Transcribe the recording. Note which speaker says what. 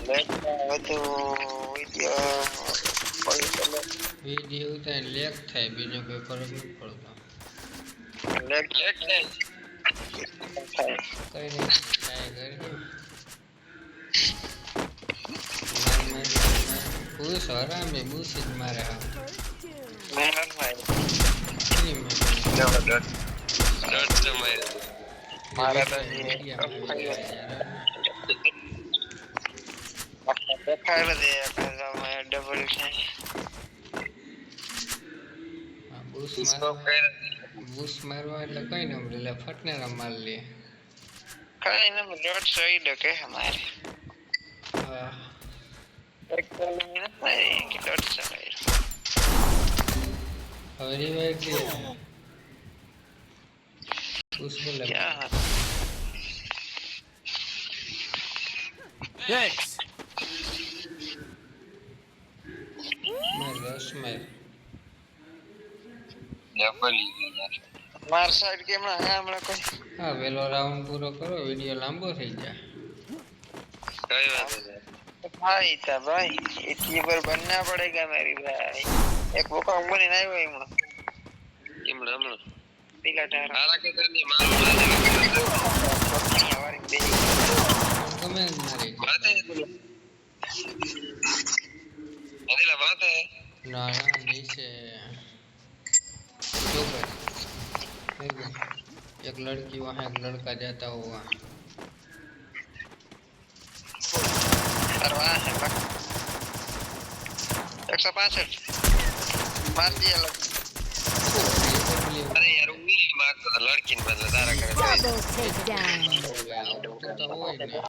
Speaker 1: લેખમાં વધુ વિડીયો કોઈ ચાલે
Speaker 2: वीडियो उतार लेख थाय बीजो कोई फर्क नहीं पड़ता
Speaker 1: લેખ થાય થાય
Speaker 2: कई नहीं ट्राई कर मैं खुश हो रहा मैं बुशिट मारे हाँ
Speaker 1: મહેનત માં
Speaker 2: नहीं मैं
Speaker 1: જબરદસ્ત
Speaker 3: દોઢ સમય
Speaker 1: મારા તો
Speaker 2: मीडिया में भी यार
Speaker 1: દેખાડે દે કાઝામાં ડબલ છે
Speaker 2: बूस
Speaker 3: સ્કોપ
Speaker 2: मारवा
Speaker 3: કઈ
Speaker 2: बूस मारवा એટલે કઈ ન એટલે ફટનેરા માર લે
Speaker 1: કઈ ને ડોટ સહી ડકે હમારે
Speaker 2: હા
Speaker 1: એક કોલિંગ નથી કે ડોટ સહી
Speaker 2: હવે રિવાઇવ કે बूस बोले
Speaker 1: क्या
Speaker 4: Thanks.
Speaker 2: मार रस मार
Speaker 3: ડબલ
Speaker 1: માર સાઈડ કેમ ના હે હમણાં કોઈ
Speaker 2: હા વેલો રાઉન્ડ પૂરો કરો વિડિયો લાંબો થઈ જાય
Speaker 3: કઈ વાત છે
Speaker 1: भाई था भाई इतनी बार बनना पड़ेगा मेरी भाई एक वो का उम्र नहीं हुई हूं
Speaker 3: હમણાં હમણાં
Speaker 1: पिला टारा
Speaker 3: તારા કે તને મારું
Speaker 1: हमारी बे
Speaker 2: ગમે જ મારી
Speaker 3: बात है अनिला बात है
Speaker 2: ना ना नीचे जो कर देखो एक लड़की वहाँ एक लड़का जाता हुआ
Speaker 1: करवा है बा 165 मार दिया लग
Speaker 3: अरे यार उंगली मार तो लड़की ने बदला तारा करे
Speaker 5: Double takedown.
Speaker 2: तो હોય ને